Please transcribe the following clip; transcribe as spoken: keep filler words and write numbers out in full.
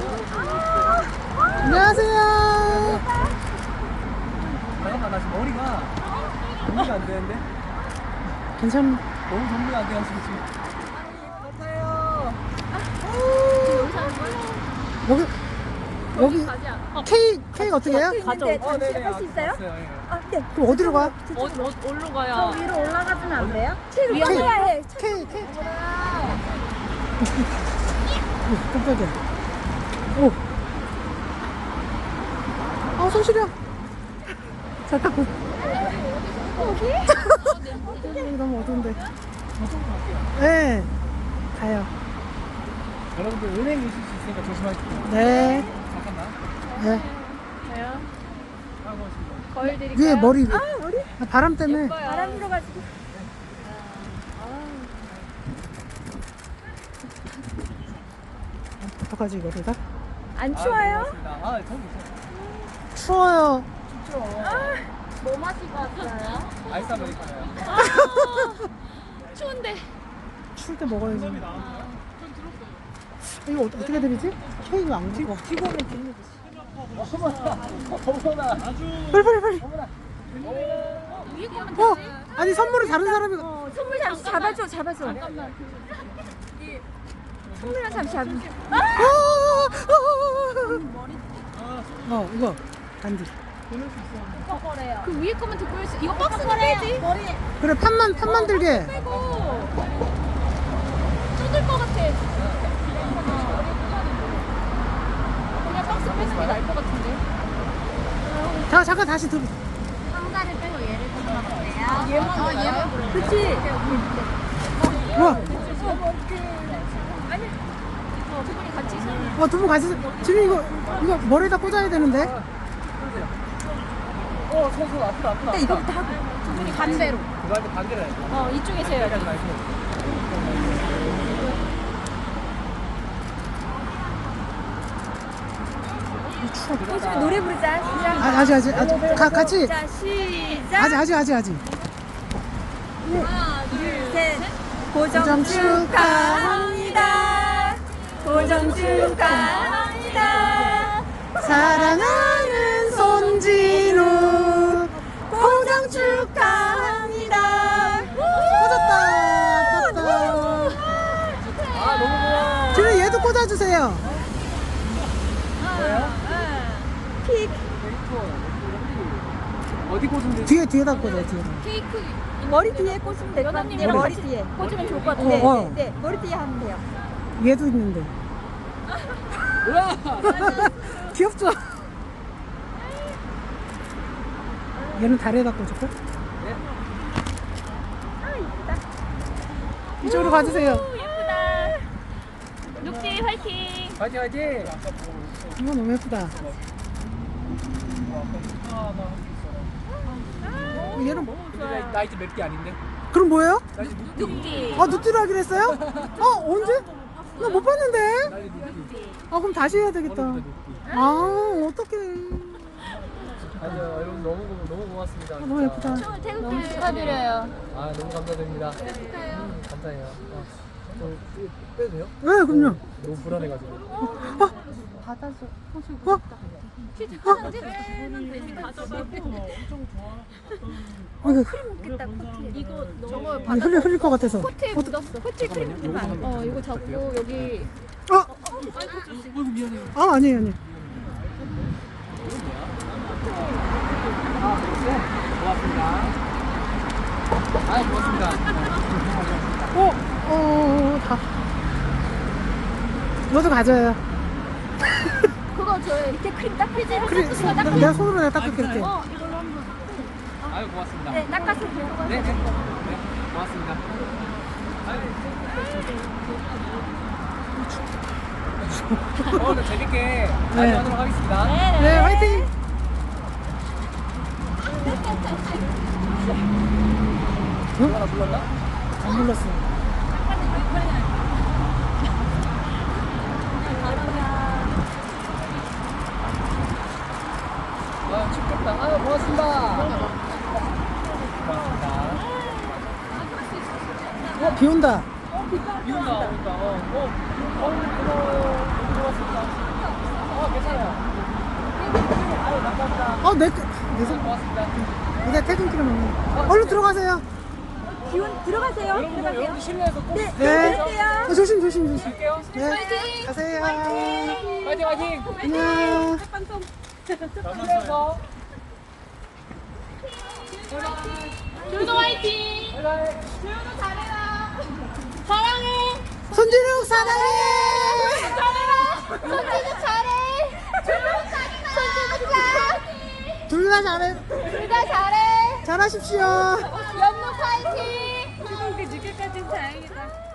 안녕하세요. 잠깐만, 나 지금 머리가 정리가 안 되는데? 괜찮. 너무 정리가 안 돼가지고 지금. 여기 여기 케이크 케이크 어떻게 해요? 가져. 어, 네네. 할 수 있어요? 왔어요, 예. 아, 네. 그럼 어디로 가? 어, 어, 어디로 가야? 저 위로 올라가주면 안 돼요? 케이크. 위험해야 해. 케이크 케이크. 오, 깜짝이야. 오. 아, 손 시려. 잘 닦고. 여기? 여기 너무 어두운데. 네. 가요. 여러분들 은행 있을 수 있으니까 조심하십시오. 네. 잠깐만. 네. 저요? 하고 있습니다. 거울 드릴까요? 위에 머리. 아, 머리? 아, 바람 때문에. 예뻐요. 바람 불어가지고. 어떡하지 이거를 다? 안 아, 추워요? 네, 고맙습니다. 아, 저기 있어요. 추워요. 춥죠? 뭐 마시고 왔어요? 아이스 아메리카노요. 아, 추운데. 추울 때 먹어야지. 이거 어- 어떻게 드리지? 케이크 안 먹어. 튀고면 듣는 거지. 어머나, 어머나. 빨리 빨리 빨리. 위에 거면 어, 되지? 아니 선물을 다른 사람이. 어, 선물 잠시 잡아줘, 잡아줘. 잠깐만. 선물을 잠시 잡아줘. 아, 아, 아. 어, 이거 반지. 그 위에 거면 듣고 있어. 이거 박스는 빼지? 머리 그래 판만 판만 들게. 빼고. 쏟을 것 같아. 그냥 박스 빼는 게 나을 것 같은데. 자 잠깐 다시 들. 상자를 빼고 얘를 좀 잡아볼래요? 얘만. 어, 얘만 그래. 그치? 우와. 어, 두 분이 같이 손. 어, 두 분 같이 지금 이거 이거 머리에다 꽂아야 되는데. 어, 손, 손, 아프다, 아프다. 근데 이거부터 하고. 두 분이 반대로. 그거 할때 반대로 해야 돼. 어, 이쪽에서 해야지. 여기까지 말고. 요즘에 노래 부르자. 시작. 아, 아직 아직 아직 가, 같이. 자, 시작. 아직 아직 아직 아직. 하나, 둘, 셋. 고정 고정 축하합니다. 고정 축하합니다. 사랑하는 손진우 고정 축하합니다. 꽂았다. 꽂았다. 아, 너무 고마워. 지금 얘도 꽂아주세요. 뭐예요? 픽. 어디 꽂으면 되지? 뒤에 뒤에다 꽂아 뒤에다. 케이크. 머리 뒤에 꽂으면 될 것 같아요. 연합님이랑 머리 같이 뒤에. 꽂으면 좋을 것 같아. 네, 어. 네, 네. 머리 뒤에 하면 돼요. 얘도 있는데. 우와! 귀엽죠? 얘는 다리에다 꽂을까? 아, 이쁘다. 이쪽으로 가주세요. 예쁘다. 녹지 화이팅. 화이팅, 화이팅! 이거 너무 예쁘다. 얘는 뭐? 나 이제 몇 개 아닌데? 그럼 뭐예요? 나 이제 눕기. 녹지. 아 눕기로 하기로 했어요? 어 언제? 나 못 봤는데. 나 이제 눕기. 아 그럼 다시 해야 되겠다. 오늘부터 눕기. 아 어떡해. 아니요, 여러분 너무 고- 너무 고맙습니다. 너무 진짜. 예쁘다. 너무 축하드려요. 아, 너무 감사드립니다. 음, 감사해요. 아, 저 이거 빼도 돼요? 네 그럼요. 너무 불안해가지고. 받아줘. 어? 어? 이거 먹겠다, 코트에. 이거 저거 아니, 흘릴 흘릴 것 같아서. 코트에 묻었어. 코트에 크림 묻으면 안 돼. 어, 이거 잡고 여기. 어? 어이구, 미안해요. 아 아니에요 아니에요. 아, 네. 고맙습니다. 아, 고맙습니다. 어? 어, 어, 어, 다. 너도 가져요. 그거 저희 이렇게 크림 닦아주세요. 피지 그래, 닦으시고 내- 닦으세요. 내가 손으로 내가 닦을게 이렇게. 어, 이걸로 한번. 아유, 고맙습니다. 네, 닦아서 네, 네. 네, 고맙습니다. 어, 오늘 재밌게 많이 네. 하도록 하겠습니다. 네 화이팅. 누가 불렀나? 안 불렀어. 아, 춥겠다. 아, 고맙습니다. 고맙습니다. 어 비 온다. 비 온다, 온다. 어, 어, 어, 고마워요. 고맙습니다. 어, 괜찮아요. 아유, 감사합니다. 어, 내, 거- 내 손, 고맙습니다. 이제 퇴근길에 먹는. 얼른 들어가세요. 기운 들어가세요. 여러분들, 여러분들 실내에서 꼭. 네. 네. 들어가세요. 어, 조심, 조심, 조심. 갈게요. 네. 가세요. 화이팅, 화이팅. 안녕. 방송. 실내에서. 줄도 화이팅. 바이바이. 줄도 잘해라. 사랑해. 손진욱 사랑해. 잘해라. 손진우 잘해. 줄도 잘해라. 손진우 잘해. 둘 다 잘해. 둘 다 잘해. 잘하십시오. 연무 화이팅. 그렇게 늦게까지는 다행이다.